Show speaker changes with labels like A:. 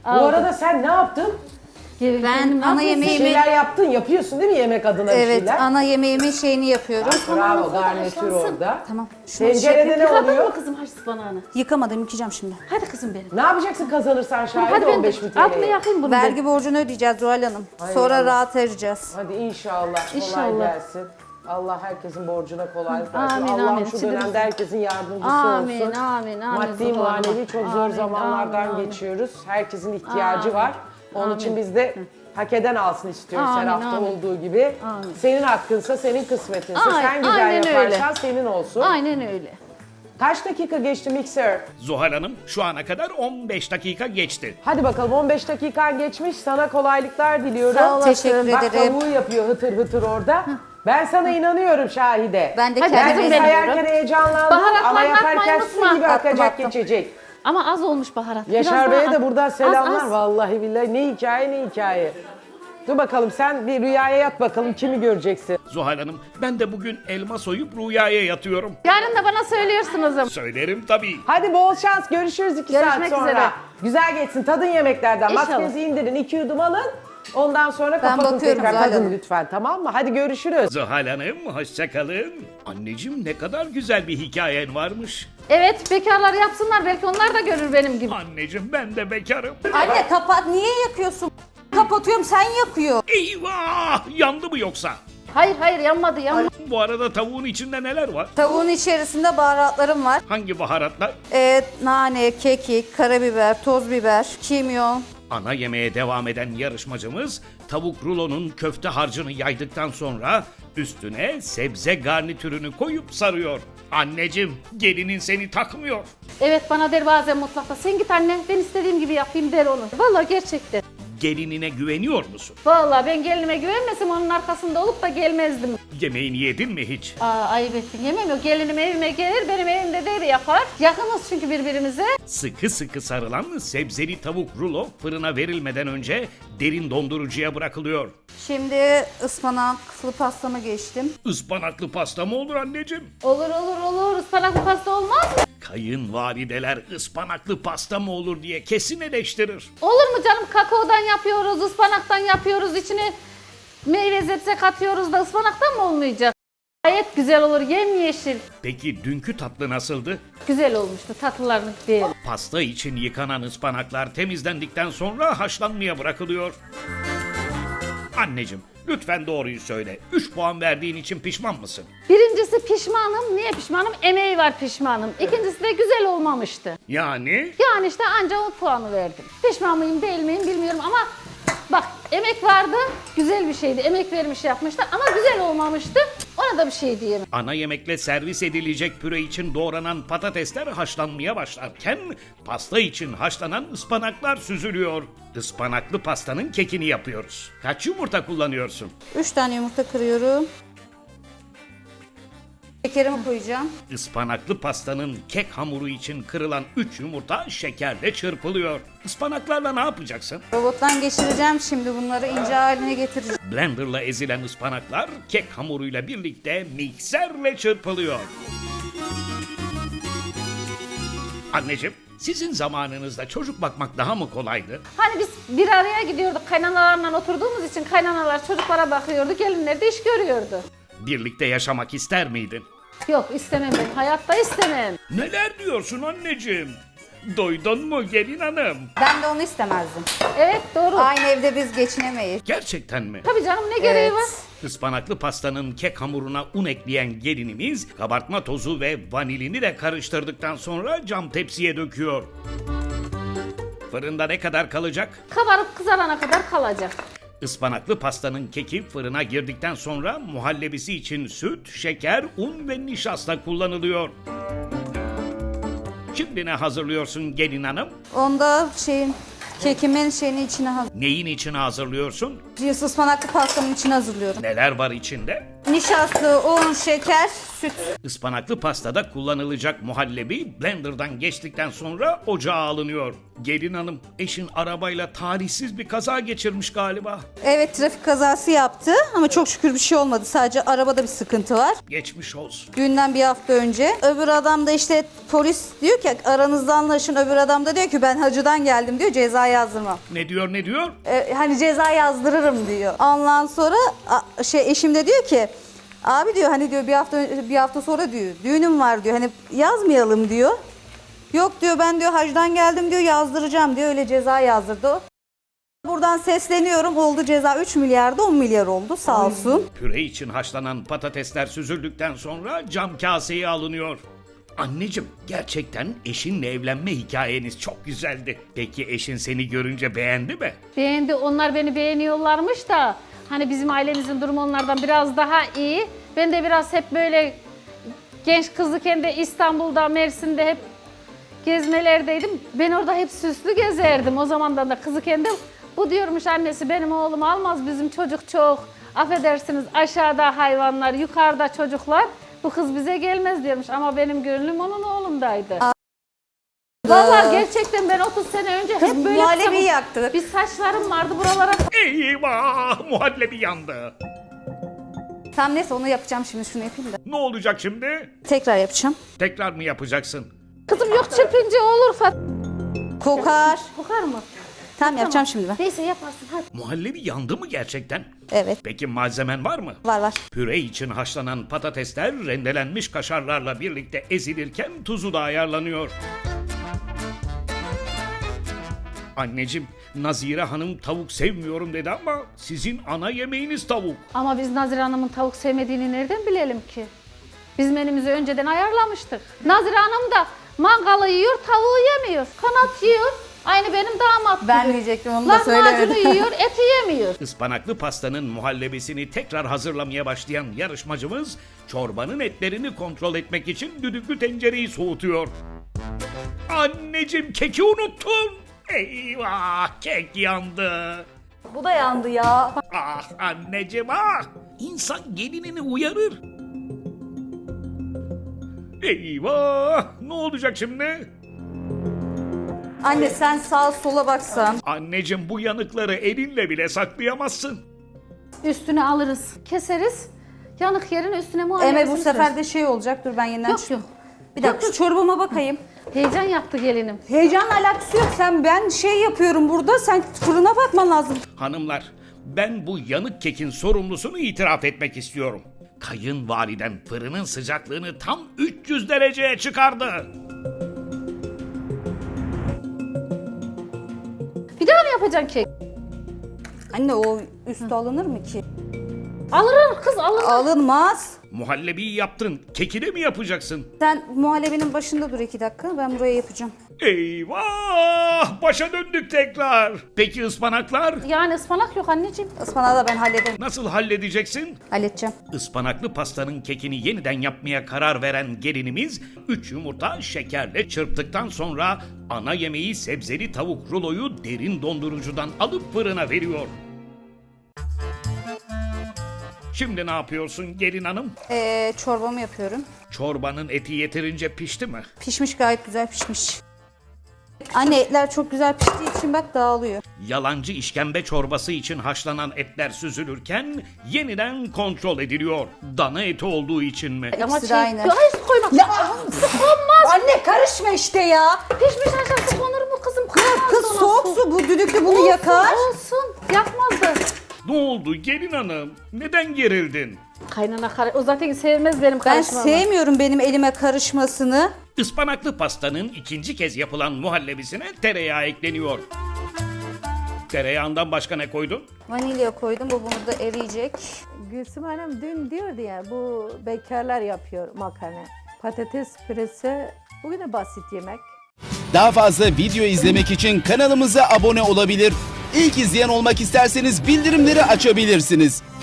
A: Bu
B: Aldım.
A: arada sen ne yaptın?
C: Ben ana
A: Bir
C: yemeğimi,
A: şeyler yaptın, yapıyorsun değil mi yemek adına bir
C: evet,
A: şeyler?
C: ana yemeğimin şeyini yapıyorum.
A: Bravo, garnitür
B: haşlansın.
A: orada.
C: Tamam. Şunu
A: Tencerede ne
B: Yıkadın
A: oluyor?
B: mı kızım haş ıspanağını?
C: yıkamadım, yıkayacağım şimdi.
B: Hadi kızım benim.
A: Ne yapacaksın kazanırsan şahit
B: Hadi ben
A: 15
B: de
A: bin
B: altını
A: TL'ye?
B: yakayım bunu ben.
C: Vergi borcunu ödeyeceğiz Zuhal Hanım.
A: Hay
C: Sonra
A: Allah.
C: rahat edeceğiz.
A: Hadi inşallah kolay
B: İnşallah.
A: gelsin. Allah herkesin borcuna kolaylık versin.
B: Amin,
A: Allah
B: amin.
A: şu
B: Sinirimiz-
A: dönemde herkesin yardımcısı
B: Amin,
A: olsun.
B: amin, amin.
A: Maddi
B: Sultanım.
A: manevi çok zor
B: Amin,
A: zamanlardan
B: amin, amin.
A: geçiyoruz. Herkesin ihtiyacı
B: Amin,
A: var. Onun
B: amin.
A: için biz de hak eden alsın istiyoruz her
B: Amin,
A: hafta
B: amin.
A: olduğu gibi.
B: Amin.
A: Senin hakkınsa, senin kısmetinse,
B: Aynen,
A: sen güzel
B: aynen
A: yaparsan
B: öyle.
A: senin olsun.
B: Aynen öyle.
A: Kaç dakika geçti mikser?
D: Zuhal Hanım şu ana kadar 15 dakika geçti.
A: Hadi bakalım 15 dakikan geçmiş. Sana kolaylıklar diliyorum.
B: Sağ olasın.
C: Teşekkür
A: Bak
C: ederim.
A: tavuğu yapıyor hıtır hıtır orada. Ben sana inanıyorum Şahide.
C: Ben de
B: Hadi
C: kendime
B: kızım
A: Ben
B: benim.
A: sayarken heyecanlandım
B: Baharatlarını
A: ama yaparken
B: atmayı
A: su
B: unutma.
A: gibi akacak
C: Attım.
A: geçecek.
B: Ama az olmuş baharat.
A: Yaşar
B: Biraz
A: Bey'e
B: daha
A: de
B: at.
A: buradan selamlar.
B: Az, az.
A: Vallahi billahi ne hikaye ne hikaye. Dur bakalım sen bir rüyaya yat bakalım kimi göreceksin.
D: Zuhal Hanım ben de bugün elma soyup rüyaya yatıyorum.
B: Yarın da bana söylüyorsunuz.
D: Söylerim tabii.
A: Hadi bol şans görüşürüz 2 saat
B: Görüşmek
A: sonra.
B: üzere.
A: Güzel geçsin tadın yemeklerden.
B: İnşallah.
A: Maskenizi indirin 2 yudum alın. Ondan sonra
C: Ben
A: kapatın
C: bakıyorum
A: tekrar
C: Zuhal
A: tadın
C: Hanım.
A: lütfen tamam mı? Hadi görüşürüz.
D: Zuhal Hanım hoşça kalın. Anneciğim ne kadar güzel bir hikayen varmış.
B: Evet, bekarlar yapsınlar. Belki onlar da görür benim gibi.
D: Anneciğim ben de bekarım.
C: Anne kapat, niye yakıyorsun? Kapatıyorum, sen yakıyor.
D: Eyvah! Yandı mı yoksa?
B: Hayır, hayır yanmadı, yanmadı.
D: Bu arada tavuğun içinde neler var?
C: Tavuğun içerisinde baharatlarım var.
D: Hangi baharatlar?
C: Nane, kekik, karabiber, toz biber, kimyon.
D: Ana yemeğe devam eden yarışmacımız tavuk rulonun köfte harcını yaydıktan sonra üstüne sebze garnitürünü koyup sarıyor. Anneciğim gelinin seni takmıyor.
B: Evet, bana der bazen mutfakta. Sen git anne, ben istediğim gibi yapayım der onu. Vallahi gerçekten.
D: Gelinine güveniyor musun?
B: Vallahi ben gelinime güvenmesem onun arkasında olup da gelmezdim.
D: Yemeğini yedin mi hiç?
B: Ayıp ettin, yemem yok. Gelinim evime gelir, benim evimde de yapar. Yakınız çünkü birbirimize.
D: Sıkı sıkı sarılan sebzeli tavuk rulo fırına verilmeden önce derin dondurucuya bırakılıyor.
C: Şimdi ıspanaklı pastamı geçtim.
D: Ispanaklı pasta mı olur anneciğim?
B: Olur olur olur, ıspanaklı pasta olmaz mı?
D: Kayınvalideler ıspanaklı pasta mı olur diye kesin eleştirir.
B: Olur mu canım? Kakaodan yapıyoruz, ıspanaktan yapıyoruz. İçine meyve zepse katıyoruz da ıspanaktan mı olmayacak? Gayet güzel olur, yemyeşil.
D: Peki dünkü tatlı nasıldı?
B: Güzel olmuştu, tatlılarını değil.
D: Pasta için yıkanan ıspanaklar temizlendikten sonra haşlanmaya bırakılıyor. Anneciğim lütfen doğruyu söyle. 3 puan verdiğin için pişman mısın?
B: Birincisi pişmanım. Niye pişmanım? Emeği var pişmanım. İkincisi de güzel olmamıştı.
D: Yani
B: Yani işte anca o puanı verdim. Pişman mıyım değil miyim bilmiyorum ama bak emek vardı, güzel bir şeydi. Emek vermiş yapmıştı ama güzel olmamıştı. Ona da bir şey diyemem.
D: ana yemekle servis edilecek püre için doğranan patatesler haşlanmaya başlarken pasta için haşlanan ıspanaklar süzülüyor. Ispanaklı pastanın kekini yapıyoruz. Kaç yumurta kullanıyorsun?
C: 3 tane yumurta kırıyorum. Şekerimi koyacağım.
D: Ispanaklı pastanın kek hamuru için kırılan 3 yumurta şekerle çırpılıyor. Ispanaklarla ne yapacaksın?
C: Robottan geçireceğim şimdi, bunları ince haline getireceğim.
D: Blenderla ezilen ıspanaklar kek hamuruyla birlikte mikserle çırpılıyor. Anneciğim, sizin zamanınızda çocuk bakmak daha mı kolaydı?
B: Hani biz bir araya gidiyorduk kaynanalarla oturduğumuz için kaynanalar çocuklara bakıyordu, gelinler de iş görüyordu.
D: Birlikte yaşamak ister miydin?
B: Yok istemem ben, hayatta istemem.
D: Neler diyorsun anneciğim? Duydun mu gelin hanım?
C: Ben de onu istemezdim.
B: Evet doğru.
C: Aynı evde biz geçinemeyiz.
D: Gerçekten mi?
B: Tabii canım ne gereği var?
D: Ispanaklı pastanın kek hamuruna un ekleyen gelinimiz kabartma tozu ve vanilini de karıştırdıktan sonra cam tepsiye döküyor. Fırında ne kadar kalacak?
B: Kabarıp kızarana kadar kalacak.
D: Ispanaklı pastanın keki fırına girdikten sonra muhallebisi için süt, şeker, un ve nişasta kullanılıyor. Şimdi ne hazırlıyorsun gelin hanım?
C: Onda kekimin içine
D: Neyin içine hazırlıyorsun?
C: ıspanaklı pastamın içine hazırlıyorum.
D: Neler var içinde?
C: Nişasta, un, şeker, süt.
D: Ispanaklı pastada kullanılacak muhallebi blenderdan geçtikten sonra ocağa alınıyor. Gelin hanım, eşin arabayla talihsiz bir kaza geçirmiş galiba.
C: Evet, trafik kazası yaptı ama çok şükür bir şey olmadı. Sadece arabada bir sıkıntı var.
D: Geçmiş olsun.
C: Düğünden bir hafta önce. Öbür adam da işte polis diyor ki aranızda anlaşın. Öbür adam da diyor ki ben hacıdan geldim diyor, ceza yazdırmam.
D: Ne diyor ne diyor?
C: Hani ceza yazdırırım diyor. Ondan sonra eşim de diyor ki abi diyor hani diyor bir hafta sonra diyor düğünüm var diyor hani yazmayalım diyor. Yok diyor ben diyor hacdan geldim diyor yazdıracağım diyor, öyle ceza yazdırdı o. Buradan sesleniyorum, oldu ceza 3 milyarda 10 milyar oldu sağ olsun.
D: Püre için haşlanan patatesler süzüldükten sonra cam kaseye alınıyor. Anneciğim, gerçekten eşinle evlenme hikayeniz çok güzeldi. Peki eşin seni görünce beğendi mi?
B: Beğendi, onlar beni beğeniyorlarmış da hani bizim ailemizin durumu onlardan biraz daha iyi. Ben de biraz hep böyle genç kızlıken de İstanbul'da, Mersin'de hep gezmelerdeydim. Ben orada hep süslü gezerdim o zamandan da kızıken de. Bu diyormuş annesi benim oğlum almaz, bizim çocuk çok. Affedersiniz aşağıda hayvanlar, yukarıda çocuklar. Bu kız bize gelmez diyormuş ama benim gönlüm onun oğlundaydı. Vallahi gerçekten ben 30 sene önce hep böyle
C: muhallebi yaktık.
B: bir saçlarım vardı buralara.
D: Eyvah! Muhallebi yandı.
C: Tam neyse onu yapacağım şimdi, şunu yapayım da.
D: Ne olacak şimdi?
C: Tekrar yapacağım.
D: Tekrar mı yapacaksın?
B: Kızım yok çırpınca olur
C: Kokar.
B: Kokar mı?
C: Tamam yapacağım şimdi ben.
B: Neyse yaparsın hadi.
D: Muhallebi yandı mı gerçekten?
C: Evet,
D: Peki malzemen var mı?
C: var.
D: Püre için haşlanan patatesler rendelenmiş kaşarlarla birlikte ezilirken tuzu da ayarlanıyor. Anneciğim, Nazire Hanım tavuk sevmiyorum dedi ama sizin ana yemeğiniz tavuk.
B: Ama biz Nazire Hanım'ın tavuk sevmediğini nereden bilelim ki? Biz menümüzü önceden ayarlamıştık. Nazire Hanım da mangalı yiyor, tavuğu yemiyor. Kanat yiyor. Aynı benim damat gibi.
C: Ben diyecektim, onu da
B: Lahmacunu
C: söylemedim.
B: yiyor, eti yemiyor.
D: Ispanaklı pastanın muhallebisini tekrar hazırlamaya başlayan yarışmacımız çorbanın etlerini kontrol etmek için düdüklü tencereyi soğutuyor. Anneciğim, keki unuttun. Eyvah, kek yandı.
C: Bu da yandı ya.
D: Ah anneciğim ah. İnsan gelinini uyarır. Eyvah, ne olacak şimdi?
C: Anne sen sağa sola baksan.
D: Anneciğim, bu yanıkları elinle bile saklayamazsın.
B: Üstüne alırız, keseriz. Yanık yerin üstüne muhallebisini
C: Eme bu sefer
B: süreriz.
C: de şey olacak, dur ben yeniden
B: Yok yok.
C: Bir dakika şu çorbama bakayım.
B: Heyecan yaptı gelinim.
C: Heyecanla alakası yok, ben şey yapıyorum burada, sen fırına bakman lazım.
D: Hanımlar, ben bu yanık kekin sorumlusunu itiraf etmek istiyorum. Kayınvaliden fırının sıcaklığını tam 300 dereceye çıkardı.
B: Bir daha mı yapacaksın kek?
C: Anne o üstü alınır mı ki?
B: Alır kız alır.
C: Alınmaz.
D: Muhallebiyi yaptın, keki de mi yapacaksın?
C: Sen muhallebinin başında dur 2 dakika, ben buraya yapacağım.
D: Eyvah! Başa döndük tekrar. Peki ıspanaklar?
B: Yani ıspanak yok anneciğim.
C: Ispanağı da ben hallederim.
D: Nasıl halledeceksin?
C: Halledeceğim.
D: Ispanaklı pastanın kekini yeniden yapmaya karar veren gelinimiz 3 yumurta şekerle çırptıktan sonra ana yemeği sebzeli tavuk ruloyu derin dondurucudan alıp fırına veriyor. Şimdi ne yapıyorsun gelin hanım?
C: Çorbamı yapıyorum.
D: Çorbanın eti yeterince pişti mi?
C: Pişmiş, gayet güzel pişmiş. Anne etler çok güzel piştiği için bak dağılıyor.
D: Yalancı işkembe çorbası için haşlanan etler süzülürken yeniden kontrol ediliyor. Dana eti olduğu için mi?
B: Ama
C: İkisi de aynı.
B: Hayır su koymak. Su konmaz.
C: Anne karışma işte ya.
B: Pişmiş aşağı konur mu kızım? Konmaz
C: Kız
B: ona
C: soğuk su, bu düdüklü bunu yakar.
B: Olsun. Yakmaz da.
D: Ne oldu gelin hanım? Neden gerildin?
B: Kaynana o zaten sevmez benim
C: Ben
B: karışmamı.
C: sevmiyorum benim elime karışmasını.
D: Ispanaklı pastanın ikinci kez yapılan muhallebisine tereyağı ekleniyor. Tereyağından başka ne koydun?
C: Vanilya koydum, bu bunu da eriyecek.
E: Gülsüm Hanım dün diyordu ya bu bekarlar yapıyor makarna. Patates püresi bugün de basit yemek.
F: Daha fazla video izlemek için kanalımıza abone olabilir. İlk izleyen olmak isterseniz bildirimleri açabilirsiniz.